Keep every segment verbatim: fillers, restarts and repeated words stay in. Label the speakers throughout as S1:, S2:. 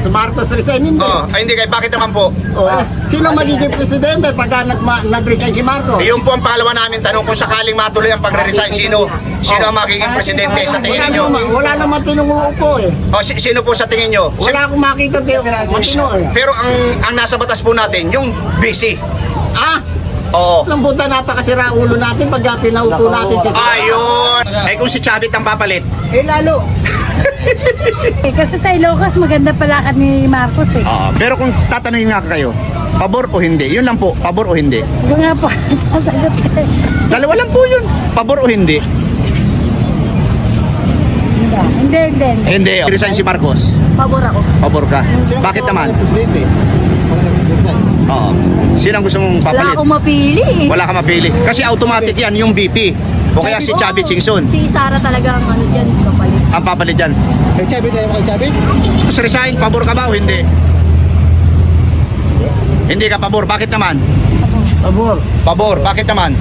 S1: Si Marcos resign, hindi.
S2: Oh, ay hindi kayo. Bakit naman po?
S1: Oh, eh, sino magiging presidente pagka nag nag-resign si Marcos?
S2: Yun po ang pangalawa namin tanong kung sakaling matuloy ang pagre-resign, sino sino ang magiging presidente sa tingin
S1: Wala
S2: niyo?
S1: naman, wala naman tinunguupo eh.
S2: O si- sino po sa tingin niyo? Si-
S1: Wala akong makita tayo matino eh.
S2: Pero ang ang nasa batas po natin, yung busy.
S1: Ah,
S2: Oo.
S1: lambutan napakasira ulo natin pagka pinaupo natin si
S2: Ayun. Ay kung si Chavit ang papalit.
S1: Eh lalo.
S3: Eh, kasi sa Ilocos, maganda palakad ni Marcos eh.
S4: Ah, pero kung tatanungin nga kayo, pabor o hindi? Yun lang po, pabor o hindi?
S3: Yung nga po, sasagot ka eh.
S4: Dalawa lang po yun, pabor o hindi?
S3: Hindi, hindi, hindi.
S4: Hindi. Resign si Marcos.
S3: Pabor ako.
S4: Pabor ka. Bakit naman? Oo. Sino ang gusto mong
S3: Wala
S4: papalit?
S3: akong mapili eh.
S4: Wala ka mapili. Kasi automatic yan, yung V P. O kaya si Chavit Singson.
S3: Si Sara talaga ang ano dyan, kapalit.
S4: Ang papalit dyan.
S1: Kay Chavit tayo kay Chavit?
S4: Tapos resign, pabor ka ba o hindi? Hindi ka pabor. Bakit naman?
S1: Pabor.
S4: Pabor. Bakit naman?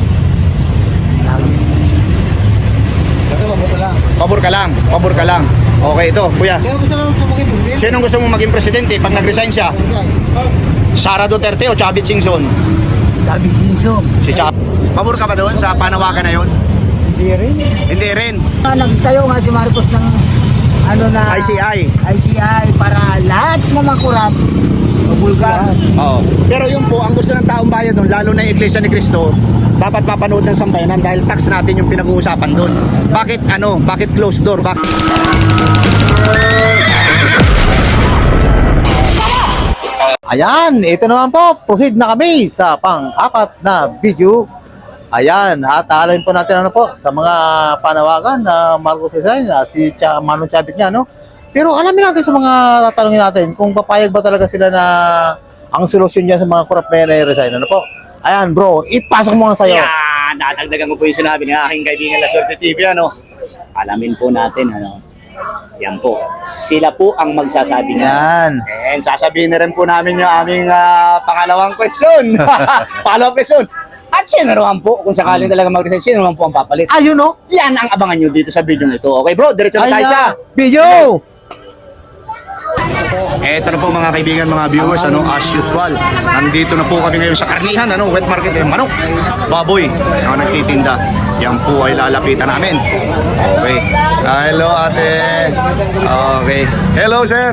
S4: Pabor ka lang. Pabor ka lang. Okay, ito, kuya.
S1: Sino gusto mo maging presidente?
S4: Sinong gusto mong maging presidente pag nag-resign siya? Sara Duterte o Chavit Singson?
S1: Chavit Singson.
S4: Si Chavit. Pabor ka ba doon sa panawagan na yun?
S1: Hindi rin.
S4: Hindi rin.
S1: Nagtayo nga si Marcos ng ano na
S4: I C I.
S1: I C I para lahat na makurap. Mabulgar.
S4: Oo. Pero yun po, ang gusto ng taong bayan doon, lalo na yung Iglesia ni Cristo, dapat mapanood ng sambayanan dahil tax natin yung pinag-uusapan doon. Bakit ano? Bakit closed door? Bakit?
S5: Ayan, ito naman po, proceed na kami sa pang-apat na video. Ayan, at alamin po natin ano po sa mga panawagan na Marcos resign at si Ch Manong Chavit niya, no? Pero alamin natin sa mga tatanungin natin kung papayag ba talaga sila na ang solusyon niya sa mga corrupt na resign, ano po? Ayan bro, ipasok mo nga sa'yo.
S4: Yan, nadagdagan ko po yung sinabi ng aking kaibigan La Suerte T V, ano? Alamin po natin, ano? Yan po. Sila po ang magsasabi niya.
S5: Ayan.
S4: And sasabihin na rin po namin yung aming ah, pangalawang question. Pangalawang question. At sino naman po, kung sakaling talaga mag-resign, sino naman po ang papalit?
S5: Ayun, no?
S4: Yan ang abangan nyo dito sa video nito. Okay bro, diretso na tayo sa
S5: video.
S4: Eto na po mga kaibigan, mga viewers, ano, as usual. Nandito na po kami ngayon sa karnihan, ano, wet market, eh, manok, baboy, ang nagtitinda. Yan po ay lalapitan namin. Okay. Ah, hello ate. Okay. Hello sir.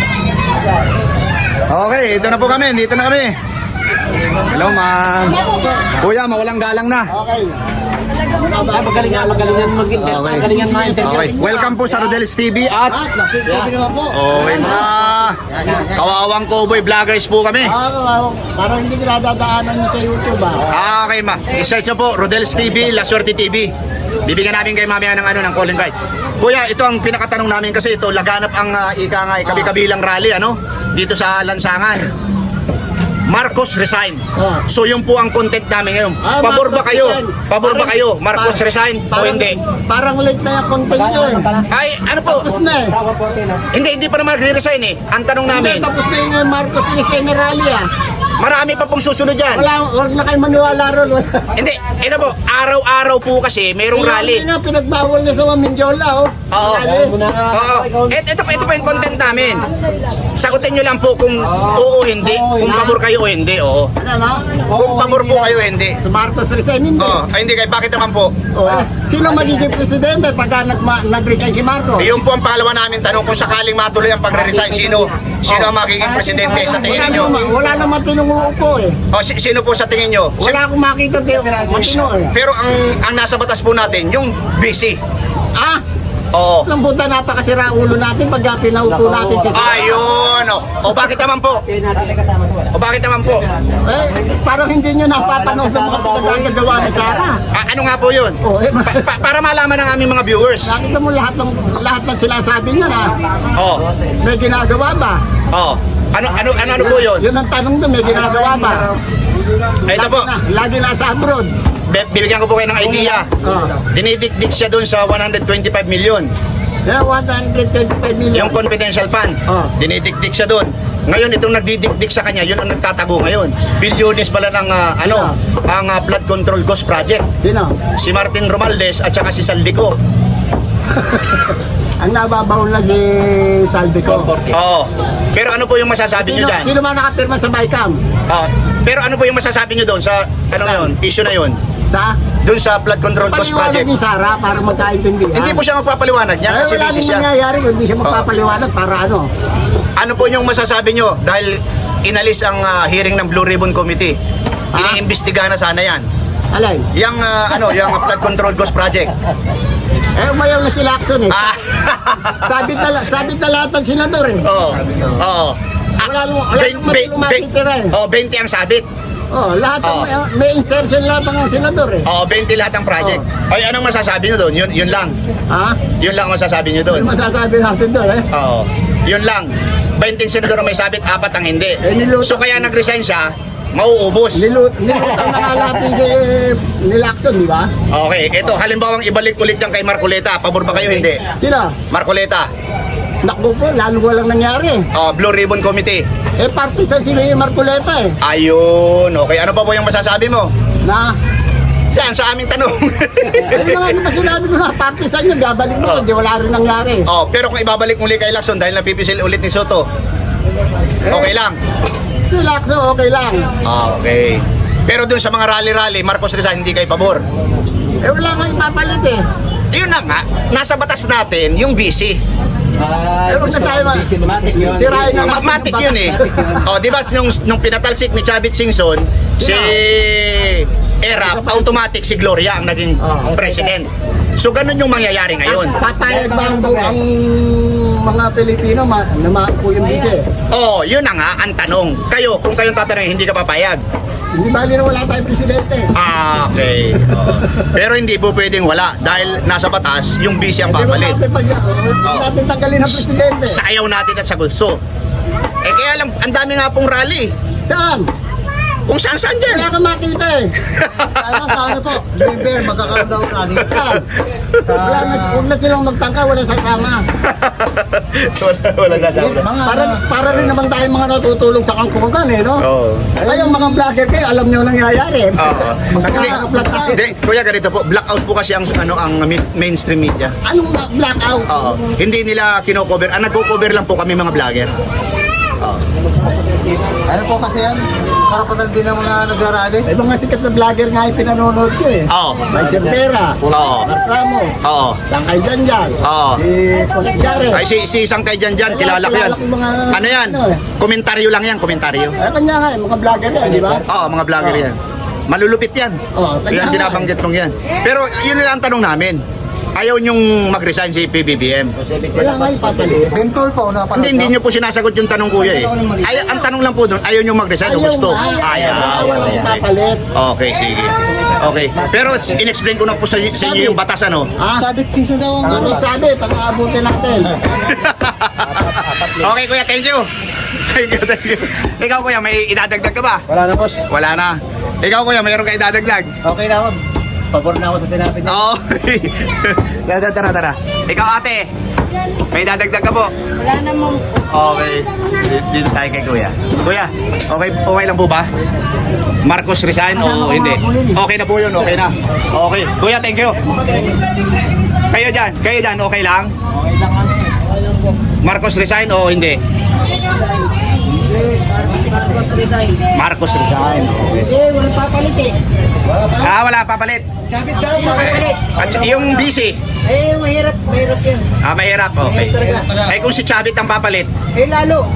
S4: Okay, ito na po kami, dito na kami. Hello ma'am. Kuya, mawalang galang na.
S1: Magalingan, magalingan maging
S4: Okay.
S1: magalingan mga interview.
S4: Okay. Welcome po sa Rodel's T V at
S1: Nakikita naman po.
S4: okay, mga kawawang cowboy vloggers po kami.
S1: Ah, parang hindi nadadaanan niyo sa YouTube ah.
S4: Ah, okay ma. I-search nyo po, Rodel's T V, La Suerte T V. Bibigyan namin kayo mamaya ng ano, ng call invite. Kuya, ito ang pinakatanong namin kasi ito, laganap ang uh, ika nga, kabi-kabilang rally, ano? Dito sa Lansangan. Marcos resign.
S1: Oh.
S4: So yun po ang content namin ngayon.
S1: Ah,
S4: Pabor ba
S1: Marcos
S4: kayo?
S1: resign.
S4: Pabor ba
S1: Parang-
S4: kayo? Marcos
S1: parang-
S4: resign o
S1: parang-
S4: hindi?
S1: Parang late na yung content nyo eh.
S4: Ay, ano po?
S1: Tapos na eh.
S4: Hindi, hindi pa naman resign eh. Ang tanong
S1: Hindi,
S4: namin,
S1: tapos na yung Marcos resign na rally ah.
S4: marami pa pong susunod yan.
S1: Wala, huwag na kayo maniwala ron. Wala.
S4: Hindi, ito po, araw-araw po kasi mayroong rally.
S1: Nga, pinagbawal na sa mga Mindiola oh.
S4: Oo.
S1: Rally.
S4: Oo. Et, ito, ito po yung content namin. Sagutin nyo lang po kung oo o hindi. Kung pabor kayo o hindi, oo.
S1: Ano na?
S4: Kung pabor po kayo o hindi.
S1: Si Marcos resign, hindi.
S4: Oo. Ay, hindi kayo. Bakit naman po?
S1: Oh. Sino magiging presidente pagka nag nag-resign si Marcos?
S4: Yun po ang pangalawa namin tanong kung sakaling matuloy ang pagre-resign, sino sino ang magiging presidente sa tingin
S1: Wala
S4: niyo?
S1: naman, wala naman tinunguupo eh.
S4: O si- sino po sa tingin niyo? Si-
S1: Wala akong makita tayo matino eh.
S4: Pero ang ang nasa batas po natin, yung busy.
S1: Ah,
S4: Oo.
S1: lambutan napakasira ulo natin pagka pinaupo natin si Sara.
S4: Ayun. O, o bakit naman po? O bakit naman po?
S1: Eh, parang hindi nyo napapanood sa mga pinagagawa ni Sara.
S4: Ah, ano nga po yun?
S1: Oh, eh,
S4: Pa- pa- para malaman ng aming mga viewers.
S1: nakita mo lahat ng lahat ng sinasabi niya na
S4: Oh.
S1: may ginagawa ba?
S4: Oh. Ano ano ano, ano po yun?
S1: Yun ang tanong doon, may ginagawa ba?
S4: Ito po.
S1: Lagi, na, lagi nasa abroad.
S4: Bi- Bibigyan ko po kayo ng idea.
S1: Oh.
S4: Dinidikdik siya doon sa one hundred twenty-five million.
S1: Yeah, one hundred twenty-five million.
S4: Yung confidential fund.
S1: Oh.
S4: Dinidikdik siya doon. Ngayon itong nagdidikdik sa kanya, yun ang nagtatago ngayon. Bilyones pala ng ah, ano, ang ah, flood control ghost project.
S1: Sino?
S4: Si Martin Romualdez at saka si Saldico.
S1: Ang nababaw na si Saldico.
S4: Oo. Pero ano po yung masasabi
S1: Sino,
S4: nyo dyan?
S1: sino man nakapirma sa Bicam?
S4: Oo. Pero ano po yung masasabi nyo doon sa, ano yun, issue na yun?
S1: Sa?
S4: Doon sa flood control cost
S1: Paliwanag
S4: project.
S1: ni Sara para magkaintindihan.
S4: Hindi po siya magpapaliwanag niya
S1: Ay,
S4: kasi
S1: wala
S4: busy
S1: nang
S4: siya.
S1: mangyayari kung hindi siya magpapaliwanag para ano.
S4: Ano po yung masasabi nyo? Dahil inalis ang ah, hearing ng Blue Ribbon Committee. Iniimbestigahan na sana yan.
S1: Alay.
S4: Yung ah, ano, yung flood control cost project.
S1: Eh, umayaw na si Lacson eh.
S4: Ah.
S1: Sabit na, sabit na lahat ng senador eh.
S4: Oo. Oo.
S1: Wala nung, wala
S4: Ben-
S1: nung
S4: ben-
S1: matulong matitira eh.
S4: ben- oh, twenty ang sabit.
S1: Oh, lahat ng,
S4: Oh.
S1: may insertion lahat ng senador eh.
S4: Oo, twenty lahat ang project. Ay, anong masasabi nyo doon? Yun, yun lang.
S1: Ha?
S4: Yun lang ang masasabi nyo doon.
S1: Ano masasabi natin doon eh?
S4: Oo. Yun lang. twenty senador ang may sabit, apat ang hindi.
S1: Eh, niluto-
S4: So kaya nag-resign siya, mauubos.
S1: Nilut, nilutang na nga lahat ni si ni Lacson, di ba?
S4: Okay, ito halimbawang ibalik ulit yan kay Marcoleta. Pabor ba kayo? Hindi.
S1: Sila,
S4: Marcoleta.
S1: nakbo po, lalo walang nangyari.
S4: Oh, Blue Ribbon Committee.
S1: Eh, partisan si Marcoleta eh.
S4: Ayun. Okay, ano pa po yung masasabi mo?
S1: Na,
S4: Yan, sa aming tanong.
S1: ano naman yung sinabi ko na, partisan nyo, gabalik mo,
S4: Oh.
S1: hindi wala rin nangyari.
S4: Oh, pero kung ibabalik muli kay Lacson dahil napipisil ulit ni Soto, okay lang.
S1: Si Lacson, okay lang.
S4: Ah, okay. Pero dun sa mga rally-rally, Marcos Rizal, hindi kayo pabor.
S1: Eh, wala kang ipapalit eh.
S4: Yun na nga, nasa batas natin yung B C.
S1: Eh, huwag na tayo ma- sirain na natin
S4: Mathematic
S1: yung
S4: yun eh. Oh, di ba nung, nung pinatalsik ni Chavit Singson, si Erap, automatic si Gloria ang naging
S1: Oh.
S4: president. So ganun yung mangyayari ngayon.
S1: Papayag ba ang, bu- ang mga Pilipino ma- na maupo yung bise?
S4: Oh, yun na nga ang tanong. Kayo, kung kayong tatanungin, hindi ka papayag.
S1: Hindi bali na wala tayong presidente.
S4: Ah, okay. Oh. Pero hindi po pwedeng wala dahil nasa batas yung B C ang
S1: Hindi mo
S4: papalit.
S1: natin, pag, hindi
S4: Oh.
S1: natin tanggalin ang presidente.
S4: Sayaw natin at sa gusto. Eh kaya lang, ang dami nga pong rally.
S1: Saan?
S4: Kung saan saan dyan.
S1: Wala kang makita eh.
S6: Sana sa ano po, November, magkakaroon daw rally.
S1: Saan? Wala na, huwag na silang magtangka, wala sasama.
S4: wala, wala sasabi.
S6: Mga,
S1: Para, para rin naman tayo mga natutulong sa kangkungan eh, no?
S4: Oo.
S1: Kayong mga vlogger kayo, alam nyo nangyayari.
S4: Oo. Hindi,
S1: Magkakaplat tayo.
S4: hindi, kuya ganito po, blackout po kasi ang ano ang mis- mainstream media.
S1: Anong ma- blackout?
S4: Oo. Hindi nila kino-cover. Ang nagko-cover lang po kami mga vlogger.
S6: ano po kasi yan, karapatan din ng mga nagrarally.
S1: May mga sikat na vlogger nga yung pinanonood ko eh.
S4: Oo.
S1: Mike Cervera,
S4: Oo.
S1: Mark Ramos,
S4: Oo.
S1: Sangkay Janjan,
S4: Oo.
S1: si Coach Garrett.
S4: Ay si si isang kay dyan dyan, kilala ko yan.
S1: Kilala ko mga-
S4: Ano yan?
S1: ano eh.
S4: Komentaryo lang yan, komentaryo.
S1: Eh, kanya nga eh, mga vlogger yan, di ba?
S4: Oo, mga vlogger yan. Malulupit yan.
S1: Oo, kanya
S4: Yan
S1: nga
S4: binabanggit mong yan. Pero yun lang ang tanong namin. Ayaw nyong mag-resign si P B B M.
S1: Wala nga yung pasalit.
S6: Bentol po, napanood
S4: Hindi, hindi nyo po sinasagot yung tanong kuya eh. Ay, ang tanong lang po doon, ayaw nyo mag-resign o gusto?
S1: Ayaw.
S4: Ayaw.
S1: Walang ipapalit.
S4: Okay, sige. Okay. Pero in-explain ko na po sa, sa inyo yung batas ano.
S1: Ha?
S6: Sabit season daw ang
S1: Ano
S6: ano.
S1: sabi? Tama abutin natin.
S4: Okay kuya, thank you. Thank you, thank you. Ikaw kuya, may idadagdag ka ba?
S5: Wala na, boss.
S4: Wala na. Ikaw kuya, mayroon ka idadagdag?
S5: Okay na ako. Pabor na ako sa sinabi niya.
S4: Oo. tara, tara, tara. Ikaw ate, may idadagdag ka po?
S3: Wala namang
S4: Okay. Dito tayo kay kuya. Kuya, okay, okay lang po ba? Marcos resign o hindi? Okay na po yun, okay na. Okay. Kuya, thank you. Kayo dyan, kayo dyan, okay lang? Marcos resign o hindi? Marcos resign. Okay.
S1: Eh, walang papalit eh.
S4: Ah, wala papalit.
S1: Sabit daw, papalit.
S4: At saka yung busy.
S1: Eh, mahirap, mahirap yan.
S4: Ah, mahirap. Okay. Ay, kung si Chavit ang papalit.
S1: Eh, lalo.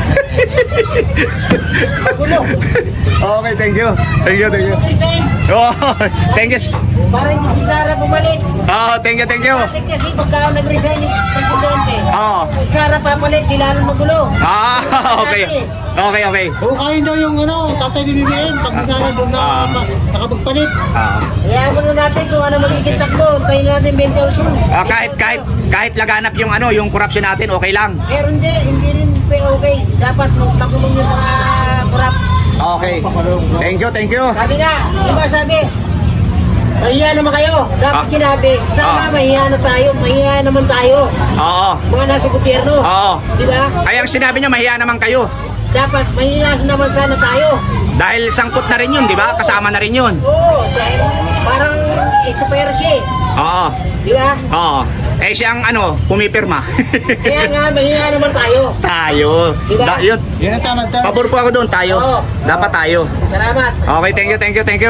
S1: Magulo.
S4: Okay, thank you. Thank you, thank you.
S1: Resign.
S4: Oh, thank you.
S1: Para hindi si Sara bumalik.
S4: Oh, thank you, thank you.
S1: Bakit kasi pagka nag-resign yung presidente,
S4: Oh.
S1: si Sara papalit, di lalo magulo.
S4: Ah, okay. Okay, okay.
S6: Hukayin daw yung ano, tatay ni B B M, pag sana doon na
S4: Ah.
S6: ma- nakapagpalit.
S4: Ah.
S1: Kaya mo na natin kung ano magiging takbo. Tayo natin twenty-two.
S4: Ah, kahit kahit kahit laganap yung ano, yung corruption natin, okay lang.
S1: Pero hindi, hindi rin pe okay. Dapat magpakulong yung mga corrupt.
S4: Okay. Thank you, thank you.
S1: Sabi nga, di ba sabi? Mahiya naman kayo. Dapat
S4: Ah.
S1: sinabi, sana
S4: Ah.
S1: mahiya na tayo. Mahiya naman tayo.
S4: Oo.
S1: Mga nasa gobyerno.
S4: Oo.
S1: Di ba?
S4: Ay, ang sinabi niya, mahiya naman kayo.
S1: Dapat mahiya naman sana tayo.
S4: Dahil sangkot na rin yun, di ba? Kasama na rin yun.
S1: Oo, dahil parang expired siya eh.
S4: Oo.
S1: Di ba?
S4: Oo. Eh siyang ano, pumipirma.
S1: Kaya nga, mahinga naman tayo.
S4: tayo.
S1: Diba?
S4: Da, yun.
S6: Yan ang tama, tama.
S4: Pabor po ako doon, tayo.
S1: Oo.
S4: Dapat tayo.
S1: Salamat.
S4: Okay, thank you, thank you, thank you.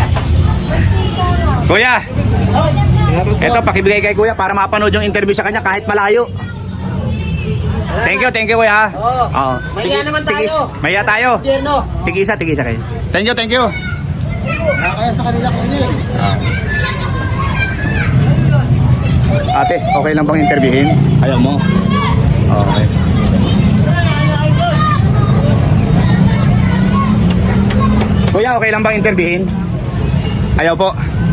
S4: Kuya, eto pakibigay kay Kuya para mapanood yung interview sa kanya kahit malayo. Thank you, thank you Kuya. ha?
S1: Oo.
S4: Oo.
S1: Mahiya naman tayo.
S4: Tigis, mahiya tayo.
S1: Gobyerno.
S4: Tigisa, tigisa kayo. Thank you, thank you.
S6: Kaya sa kanila ko yun.
S4: Ate, okay lang bang interviewin? Ayaw mo? Okay. Kuya, okay lang bang interviewin? Ayaw po.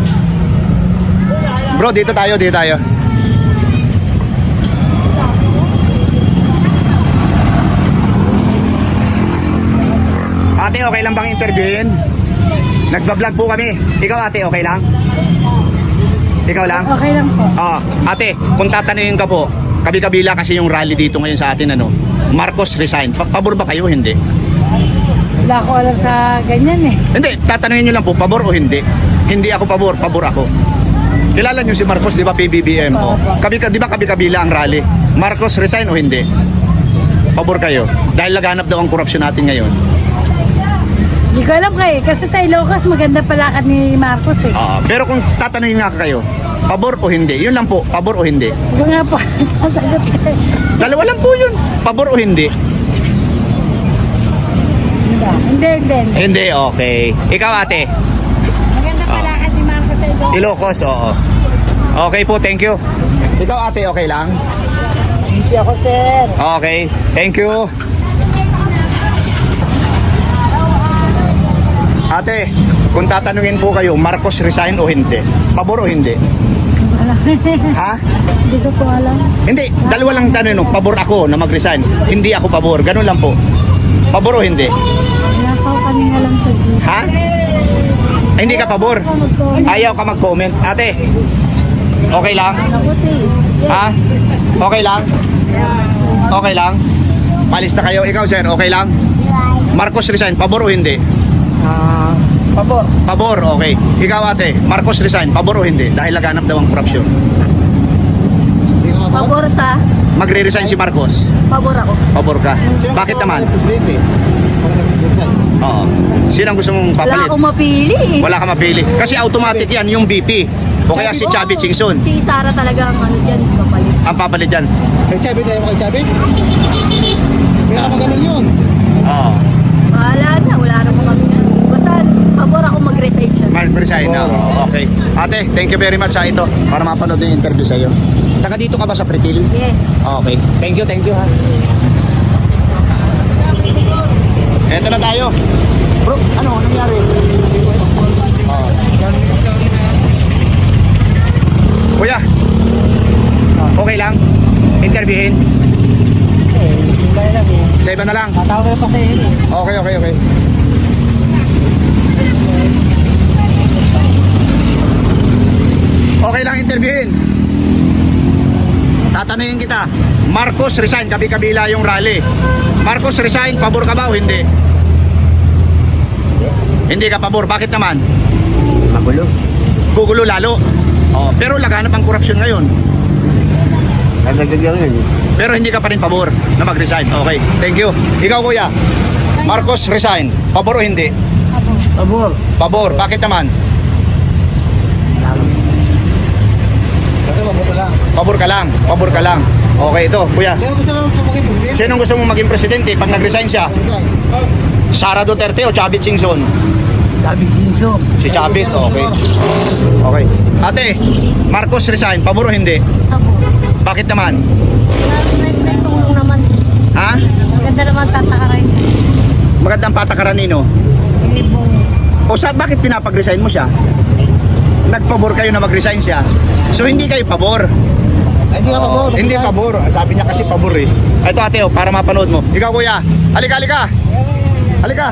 S4: Bro, dito tayo, dito tayo. Ate, okay lang bang interviewin? Nagbablog po kami. Ikaw ate, okay lang? Ikaw lang?
S3: Okay lang po.
S4: Ah, ate, kung tatanungin ka po, kabi-kabila kasi yung rally dito ngayon sa atin, ano, Marcos resign. Pa- pabor ba kayo o hindi?
S3: Wala ko alam sa ganyan eh.
S4: Hindi, tatanungin nyo lang po, pabor o hindi? Hindi ako pabor, pabor ako. Kilala nyo si Marcos, di ba, P B B M? O, kabi, di ba kabi-kabila ang rally? Marcos resign o hindi? Pabor kayo? Dahil laganap daw ang korupsyon natin ngayon.
S3: Hindi ko alam kayo. Kasi sa Ilocos maganda palakad ni Marcos eh.
S4: Ah, pero kung tatanungin nga kayo, pabor o hindi? Yun lang po, pabor o hindi?
S3: Ito nga po, sasagot kayo.
S4: Dalawa lang po yun, pabor o hindi?
S3: Hindi, hindi, hindi.
S4: Hindi, okay. Ikaw ate?
S3: Maganda palakad ni Marcos sa Ilocos.
S4: Ilocos, oo. Okay po, thank you. Ikaw ate, okay lang?
S3: Busy ako, sir.
S4: Okay, thank you. Ate, kung tatanungin po kayo, Marcos resign o hindi? Pabor o hindi? Ha?
S3: Hindi ko po alam.
S4: Hindi, dalawa lang tanong, no? Pabor ako na mag-resign. Hindi ako pabor, ganun lang po. Pabor o hindi?
S3: Wala pa ako kaming alam sa dito.
S4: Ha? Ay, hindi ka pabor? Ayaw ka mag-comment. Ate, okay lang? Ha? Okay lang? Okay lang? Palis na kayo. Ikaw, sir, okay lang? Marcos resign, pabor o hindi?
S1: Pabor.
S4: Pabor, okay. Ikaw, ate, Marcos resign, pabor o hindi? Dahil laganap daw ang korupsyon.
S3: Pabor sa?
S4: Magre-resign si Marcos.
S3: Pabor ako.
S4: Pabor ka. Bakit naman?
S6: Presidente. Pag nag-resign.
S4: Oo. Sino ang gusto mong
S3: Wala
S4: papalit?
S3: akong mapili eh.
S4: Wala ka mapili. Kasi automatic yan, yung B P. O kaya si Chavit Singson.
S3: Si Sara talaga ang ano dyan, kapalit.
S4: Ang papalit dyan.
S6: Kay Chavit tayo mo kay Chavit? Kaya naman ganun yun.
S4: Oo.
S3: Wala na, wala na kami yan. Basta, pabor ako mag-resign siya.
S4: Mag-resign na. Okay. Ate, thank you very much sa ito. Para mapanood yung interview sa iyo. Taga dito ka ba sa Pretil?
S3: Yes.
S4: Okay. Thank you, thank you ha. Eto na tayo. Bro, ano nangyari? Oh. Kuya. Okay lang? Interviewin? Sa iba na lang?
S1: Tatawag pa kayo.
S4: Okay, okay, okay. Okay lang interviewin. Tatanungin kita, Marcos resign, kabi-kabila yung rally. Marcos resign, pabor ka ba o hindi? Hindi ka pabor, bakit naman?
S1: Magulo.
S4: Gugulo lalo. Oh, pero laganap ang korupsyon ngayon.
S1: Nagagagyan yun.
S4: Pero hindi ka pa rin pabor na mag-resign. Okay, thank you. Ikaw kuya, Marcos resign, pabor o hindi?
S1: Pabor.
S4: Pabor, bakit naman?
S6: Kasi mabuto lang.
S4: Pabor ka lang, pabor ka lang. Okay, ito, kuya.
S6: Sino gusto mo maging presidente?
S4: Sinong gusto mong maging presidente pag nag-resign siya?
S6: Resign.
S4: Sara Duterte o Chavit Singson?
S1: Sabi Sinso.
S4: Si Chavit, okay. Okay. Ate, Marcos resign, pabor o hindi?
S3: Ako.
S4: Bakit naman?
S3: May may tulong naman.
S4: Ha?
S3: Maganda naman tatakaray.
S4: Magandang patakaran nino. O sa bakit pinapag-resign mo siya? Nagpabor kayo na mag-resign siya. So hindi kayo pabor.
S6: Ay, hindi ka pabor.
S4: Hindi pabor. Sabi niya kasi pabor eh. Ito ate, oh, para mapanood mo. Ikaw kuya. Halika, halika. Halika.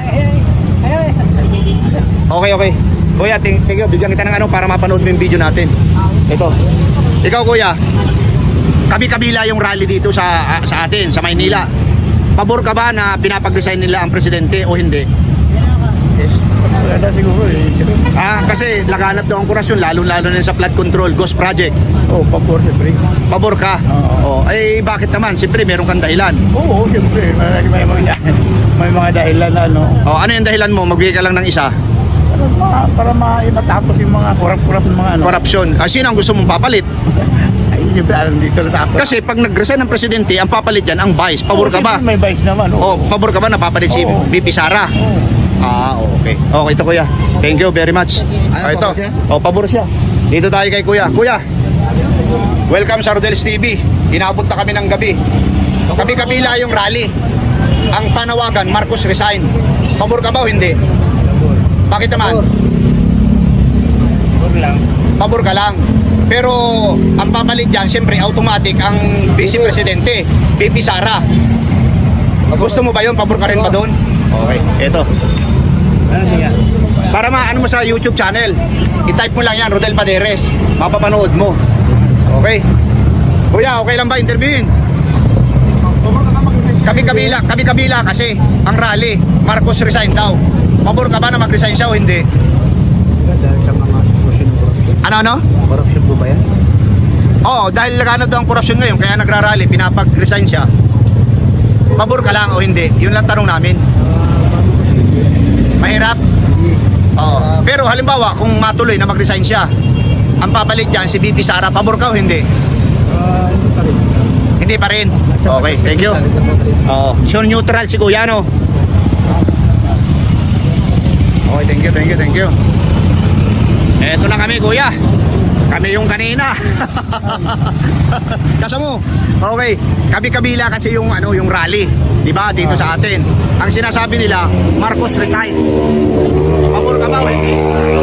S4: Okay, okay. Kuya, ting tingyo, bigyan kita ng ano para mapanood mo yung video natin. Ito. Ikaw kuya. Kabi-kabila yung rally dito sa sa atin, sa Maynila. Pabor ka ba na pinapag-resign nila ang presidente o hindi?
S1: Yes.
S7: Maganda siguro eh.
S4: Ah, kasi laganap daw ang kurasyon, lalo-lalo na sa flood control, Ghost Project.
S7: Oo, pabor siyempre.
S4: Pabor ka?
S7: Oo.
S4: Oh, eh, bakit naman? Siyempre, meron kang dahilan.
S7: Oo, siyempre. May, may, mga, may mga dahilan na, no?
S4: Oh, ano yung dahilan mo? Magbigay ka lang ng isa.
S7: Para, ma, para ma, matapos yung mga kurap-kurap ng mga ano.
S4: Corruption. Ah, sino ang gusto mong papalit?
S7: Ay, siyempre, alam dito na sa ako.
S4: Kasi pag nag-resign ng presidente, ang papalit yan, ang vice. Pabor ka ba?
S7: May vice naman,
S4: Oh, pabor ka ba na papalit si
S7: Oo.
S4: V P Sara? Ah, okay. Okay, ito kuya. Thank you very much. Ah, ito.
S6: pabor siya?
S4: Oh, pabor siya. Dito tayo kay kuya. Kuya, welcome sa Rodel's T V. Inabot na kami ng gabi. Kabi-kabila yung rally. Ang panawagan, Marcos resign. Pabor ka ba o hindi? Bakit naman?
S7: Pabor lang.
S4: Pabor ka lang. Pero ang papalit dyan, siyempre automatic ang Vice Presidente, V P Sara. Gusto mo ba yun? Pabor ka rin ba doon? Okay, eto.
S7: Ano siya?
S4: Para maano mo sa YouTube channel, i-type mo lang yan, Rodel Paderes. Mapapanood mo. Okay. Kuya, okay lang ba interviewin? Kami-kabila, kami-kabila kasi ang rally, Marcos resign daw. Pabor ka ba na mag-resign siya o hindi?
S6: Dahil sa mga corruption corruption.
S4: Ano-ano?
S6: Corruption po ba yan?
S4: Oo, dahil laganap daw ang korupsyon ngayon, kaya nagrarally, pinapag-resign siya. Pabor ka lang o hindi? Yun lang tanong namin. Mahirap? Oo. Pero halimbawa, kung matuloy na mag-resign siya, ang papalit dyan, si V P Sara, pabor ka o hindi?
S6: Ah, hindi pa rin.
S4: Hindi pa rin. Okay, thank you. Oo. So neutral si Kuya, no? Okay, thank you, thank you, thank you. Eto na kami, Kuya. Kami yung kanina. Kasama mo. Okay, kabi-kabila kasi yung ano, yung rally, 'di ba? Dito sa atin. Ang sinasabi nila, Marcos resign. Pabor ka ba o hindi?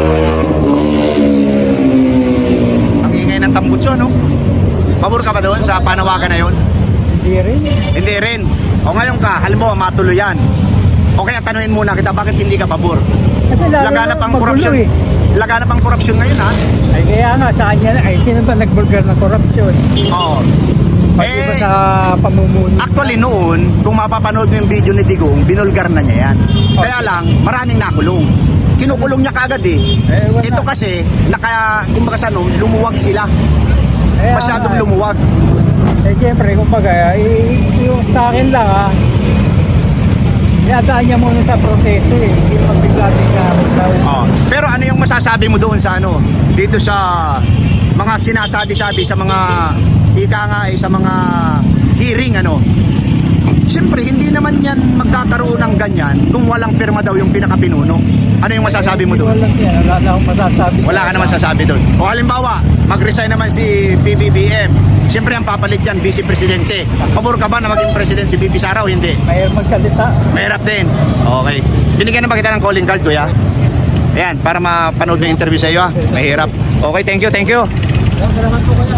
S4: Ang ingay ng tambutso, no? Pabor ka ba doon sa panawagan na 'yon?
S7: Hindi rin.
S4: Hindi rin. O ngayon ka, halimbawa matuloy yan. O kaya tanuhin muna kita, bakit hindi ka pabor?
S7: Kasi lalo
S4: Laganap
S7: na
S4: ang
S7: magulo
S4: korupsyon.
S7: eh.
S4: Laganap ang korupsyon ngayon, ha?
S7: Ay kaya nga sa kanya na, ay sino ba nagbulgar ng korupsyon?
S4: Oo.
S7: Pati ba
S4: Eh,
S7: sa pamumuno?
S4: actually noon, kung mapapanood mo yung video ni Digong, binulgar na niya yan. Kaya lang, maraming nakulong. Kinukulong niya kagad eh.
S7: Eh, wala.
S4: Ito kasi, naka, kumbaga sa no, lumuwag sila.
S7: Kaya
S4: Masyadong
S7: nga,
S4: lumuwag.
S7: Eh siyempre, kumbaga, i- yung sa akin lang ha, yadaan niya muna sa proseso eh. Hindi magbigla-bigla.
S4: Oh. Pero ano yung masasabi mo doon sa ano, dito sa mga sinasabi-sabi sa mga ika nga eh, sa mga hearing ano. Siyempre, hindi naman yan magkakaroon ng ganyan kung walang pirma daw yung pinakapinuno. Ano yung masasabi mo doon?
S7: Wala yan. Wala na akong masasabi.
S4: Wala ka naman sasabi doon. O halimbawa, mag-resign naman si P B B M. Siyempre, ang papalit yan, Vice Presidente. Pabor ka ba na maging President si V P Sara o hindi?
S7: Mahirap magsalita.
S4: Mahirap din. Okay. Binigyan na ba kita ng calling card, kuya? Ayan, para mapanood yung interview sa iyo, ha? Mahirap. Okay, thank you, thank you.
S6: Salamat po kayo.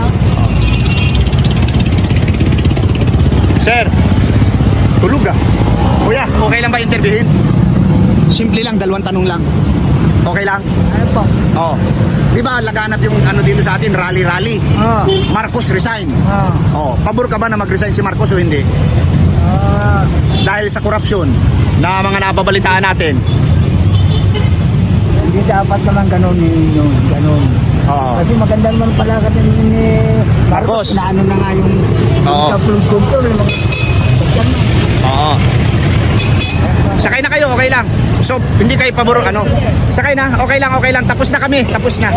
S4: Sir, tulog ah. Kuya, okay lang ba interviewin? Simple lang, dalawang tanong lang. Okay lang?
S6: Ano po?
S4: Oo. Di ba laganap yung ano dito sa atin, rally-rally?
S6: Ah.
S4: Marcos resign.
S6: Ah.
S4: Oh, pabor ka ba na mag-resign si Marcos o hindi?
S6: Ah.
S4: Dahil sa korupsyon na mga nababalitaan natin.
S6: Hindi dapat naman ganun yun. Ganun.
S4: Oo.
S6: Kasi maganda naman pala ka din ni
S4: Marcos.
S6: Na ano na nga yung
S4: Oo.
S6: sa flood control. Yung mga...
S4: Oo. Sakay na kayo, okay lang. So, hindi kayo pabor ano. Sakay na, okay lang, okay lang. Tapos na kami, tapos na.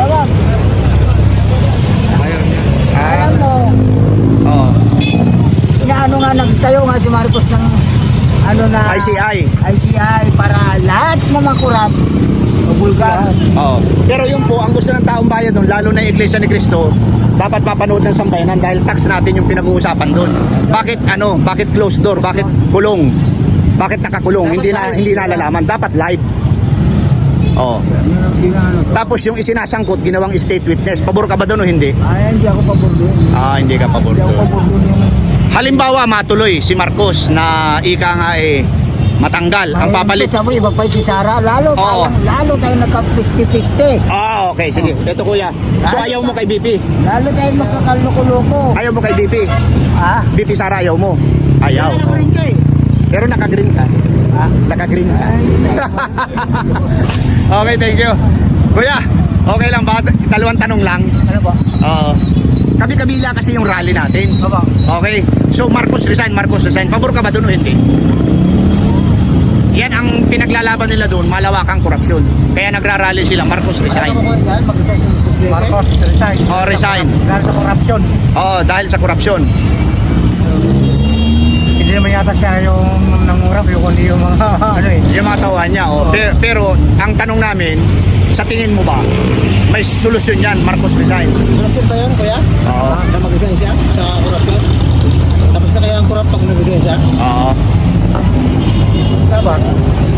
S6: Alam mo,
S4: Oo.
S6: inaano nga nagtayo nga si Marcos ng ano na
S4: I C I.
S6: I C I para lahat na makurap o bulgar.
S4: Oo. Pero yun po, ang gusto ng taong bayan doon, lalo na yung Iglesia ni Cristo, dapat mapanood ng sambayanan dahil tax natin yung pinag-uusapan doon. Bakit ano? Bakit closed door? Bakit kulong? Bakit nakakulong? Hindi na hindi nalalaman. Dapat live. Oo.
S6: Hindi na ano.
S4: Tapos yung isinasangkot, ginawang state witness. Pabor ka ba doon o hindi?
S6: Ay, hindi ako pabor doon.
S4: Ah, hindi ka pabor
S6: Hindi ako
S4: doon.
S6: pabor doon yung
S4: Halimbawa, matuloy si Marcos na ika nga eh matanggal ang papalit.
S6: Sabi, iba pa si Sara. Lalo
S4: Oo.
S6: tayo, lalo tayo nagka-fifty-fifty.
S4: Ah, okay, sige. Ito kuya. So ayaw mo kay B P?
S6: Lalo tayo magkakaloko-loko.
S4: Ayaw mo kay B P?
S6: Ha?
S4: B P Sara ayaw mo? Ayaw.
S6: Naka-green ka eh.
S4: Pero naka-green ka. Naka-green ka. Okay, thank you. Kuya, okay lang ba? Dalawang tanong lang.
S6: Ano po?
S4: Oo. Kabi-kabila kasi yung rally natin.
S6: Opo.
S4: Okay. So Marcos resign, Marcos resign. Pabor ka ba doon o hindi? Yan ang pinaglalaban nila doon, malawakang korupsyon. Kaya nagrarally sila, Marcos resign.
S7: Marcos, resign.
S4: Oh, resign.
S7: Dahil sa corruption.
S4: Oo, dahil sa korupsyon.
S7: Hindi naman yata siya yung nangurap, yung kundi yung mga ano eh.
S4: Yung mga tauhan niya. Oh. Pero, pero ang tanong namin, sa tingin mo ba, may solusyon yan, Marcos resign?
S1: Korupsyon ba yun, kuya?
S4: Oo.
S1: Na mag-resign siya sa korupsyon? Tapos na kaya ang korap pag nag-resign siya?
S4: Oo.
S7: Dapat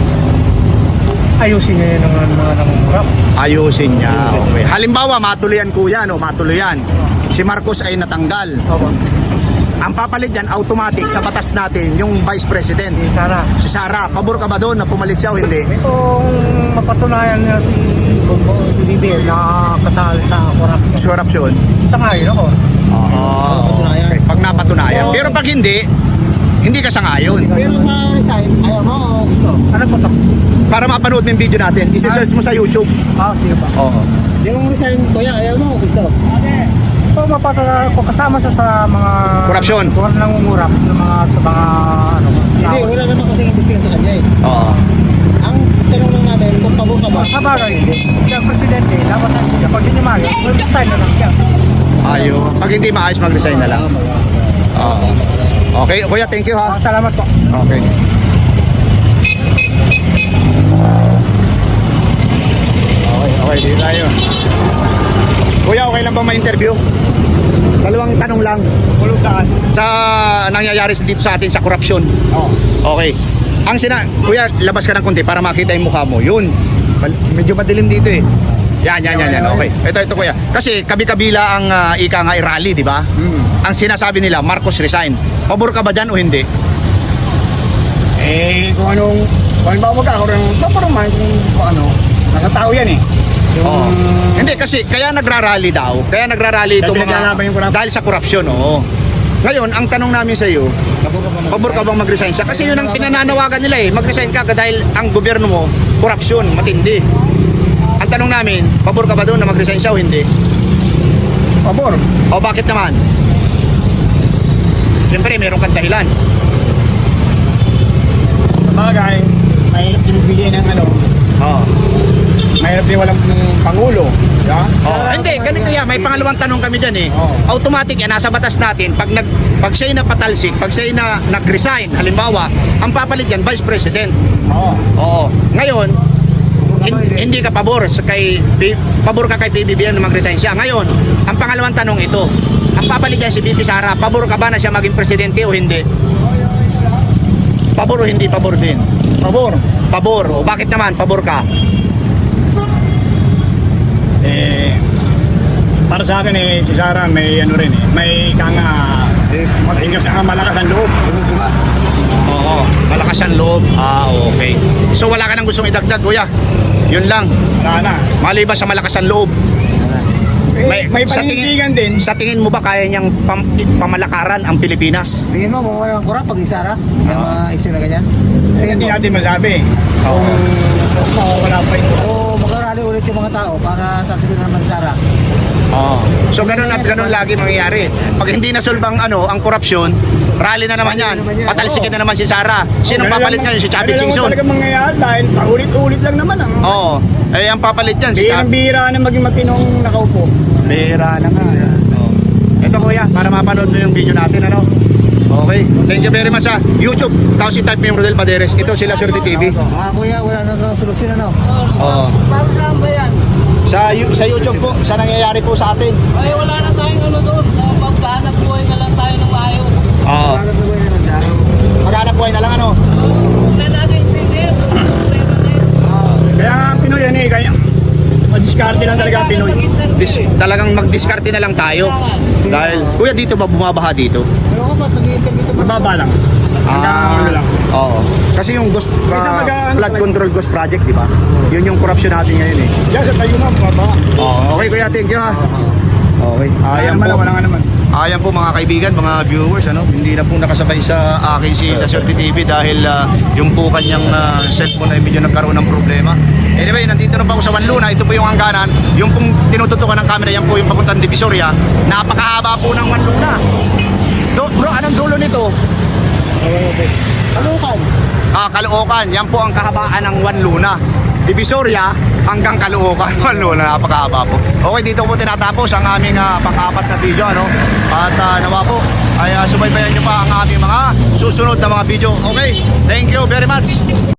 S7: ayusin niya yun ng mga, mga nangungurap.
S4: Ayusin niya. Okay. Halimbawa, matuloyan kuya, no? Matuloyan. Si Marcos ay natanggal.
S7: Opo.
S4: Ang papalit dyan, automatic sa batas natin, yung Vice President.
S7: Si Sara.
S4: Si Sara, pabor ka ba doon na pumalit siya o hindi?
S7: Kung mapatunayan niya si Bongo, si Bibi na kasal sa corruption.
S4: Sa korupsyon.
S7: Sangayon ako.
S4: Oo.
S1: Napatunayan.
S4: Pag napatunayan. Pero pag hindi, hindi ka sangayon.
S1: Pero ma-resign, ayaw mo o gusto?
S7: Ano po ito?
S4: Para mapanood mo yung video natin, isi-search mo sa YouTube.
S7: Ah, sige pa.
S4: Oo.
S1: Yung resign, kuya, ayaw mo o gusto?
S7: So, mapatunayan ko kasama siya sa mga...
S4: Korupsyon.
S7: Kung nangungurap sa mga... Sa mga ano,
S1: Hindi,
S7: tao.
S1: wala naman kasing investigan sa kanya eh.
S4: Oo.
S1: Ang tanong lang namin, kung pabor ka ba?
S7: Sa bagay, siya presidente, dapat na siya. Pag hindi maayos, resign na lang siya.
S4: Ayaw. Pag hindi maayos, mag-resign na lang. Oo. Okay, kuya, thank you ha.
S7: Ah, salamat po.
S4: Okay. Okay, okay, dito tayo. Kuya, okay lang ba ma-interview? Dalawang tanong lang
S7: Kulong saan?
S4: sa nangyayari dito sa atin sa korupsyon.
S7: Oo.
S4: Okay. Ang sina... Kuya, labas ka ng konti para makita yung mukha mo. Yun. Mal- Medyo madilim dito eh. Yan, yan, yan, yan. Okay. Ito, ito kuya. Kasi kabi-kabila ang ah, ika nga i-rally, di ba?
S7: Hmm.
S4: Ang sinasabi nila, Marcos resign. Pabor ka ba dyan o hindi?
S7: Eh, kung anong... Kung ano ba magkakaroon ng paparuman kung, kung ano, nasa tao yan eh. Yung...
S4: Oo. Hindi kasi kaya nagrarally daw. Kaya nagrarally ito
S7: Dahil
S4: mga
S7: pinaglalaban yung korupsyon.
S4: dahil sa korupsyon, oo. Ngayon, ang tanong namin sa iyo, pabor ka bang mag-resign siya? Kasi yun ang pinananawagan nila eh. Mag-resign ka dahil ang gobyerno mo, korupsyon, matindi. Ang tanong namin, pabor ka ba doon na mag-resign siya o hindi?
S7: Pabor.
S4: O bakit naman? Siyempre, meron kang dahilan.
S7: Sa bagay, mahirap pinipili ng ano,
S4: Oo.
S7: mahirap din walang pangulo. Yeah?
S4: Oh, hindi, ganito yan. May pangalawang tanong kami dyan eh.
S7: Oo.
S4: Automatic yan, nasa batas natin, pag, nag, pag siya'y napatalsik, pag siya'y na, nag-resign, halimbawa, ang papalit yan, Vice President.
S7: Oo.
S4: Oo. Ngayon, hin- hindi ka pabor sa kay P- pabor ka kay P B B M na mag-resign siya. Ngayon, ang pangalawang tanong ito, ang papalit yan si B P Sara, pabor ka ba na siya maging presidente o hindi? Pabor o hindi pabor din?
S7: Pabor.
S4: Pabor. O bakit naman pabor ka?
S7: Eh, para sa akin eh, si Sara may ano rin eh, may kanga, eh, matigas ang malakas ang loob.
S4: Oo, malakas ang loob. Ah, okay. So wala ka nang gustong idagdag, kuya. Yun lang.
S7: Wala na.
S4: Maliban sa malakas ang loob.
S7: Eh, may
S4: sa
S7: panindigan din.
S4: Sa tingin mo ba kaya niyang pam, pamalakaran ang Pilipinas?
S1: Tingin mo, kung walang korap pag isara? Kaya ma-issue na ganyan?
S7: Eh, hindi natin masabi.
S4: Oo.
S7: Kung mawawala pa ito.
S1: O mag-arali ulit yung mga tao para tatikin naman si Sara.
S4: Oo. So ganun at ganun lagi mangyayari. Pag hindi nasolbang ano, ang korupsyon, rally na naman yan. Patalsikin na naman si Sara. Sinong papalit ngayon? Si Chavit Singson.
S7: Ganun naman talaga mangyayari dahil paulit-ulit lang naman ang...
S4: Oo. Eh, ang papalit yan, si
S7: Bihirang
S4: Chavit.
S7: bihira na maging matinong nakaupo.
S4: Bira na nga. Yan. Oo. Ito kuya, para mapanood mo yung video natin, ano? Okay. Thank you very much ha. YouTube. Tapos i-type mo yung Rodel Paderes. Ito sila Swerte T V.
S1: Ah, kuya, wala na daw solusyon ano?
S4: Oo. Sa yu- sa YouTube po, sa nangyayari po sa atin.
S8: Ay, wala na tayong ano doon. Magkahanap buhay na lang tayo ng maayos.
S4: Oo.
S1: Wala na ba yan ang daraw?
S4: Maghanap buhay na lang ano.
S8: Huwag na natin intindihin.
S7: Kaya nga ang Pinoy yan eh, kaya madiskarte lang talaga ang Pinoy.
S4: Dis- talagang mag-discarte na lang tayo. Dahil, kuya dito ba bumabaha dito?
S1: Pero ko ba't nag-i-interview ito?
S7: Mababa lang. Hanggang ano lang.
S4: Oo. Kasi yung ghost,
S7: Isa
S4: uh,
S7: mag-
S4: flood control ghost project, di ba? Yun yung corruption natin ngayon eh.
S7: Yan sa tayo na, mababa.
S4: Oo. Okay kuya, thank you ha. Okay.
S7: Wala
S4: Ayan
S7: naman,
S4: po.
S7: wala nga naman.
S4: Ayan po mga kaibigan, mga viewers, ano, hindi na po nakasabay sa akin si La Suerte T V dahil ah, yung po kanyang ah, cellphone ay medyo nagkaroon ng problema. Anyway, nandito na po ako sa Wanluna. Ito po yung hangganan. Yung pong tinututukan ng camera, yan po yung papuntang Divisoria. Napakahaba po ng Wanluna. Do, bro, anong dulo nito?
S1: Kalukan.
S4: Ah, Caloocan. Yan po ang kahabaan ng Wanluna. Divisoria hanggang Caloocan. Wanluna, napakahaba po. Okay, dito po tinatapos ang aming uh, pang-apat na video, ano? At uh, nawa po ay uh, subaybayan nyo pa ang aming mga susunod na mga video. Okay, thank you very much.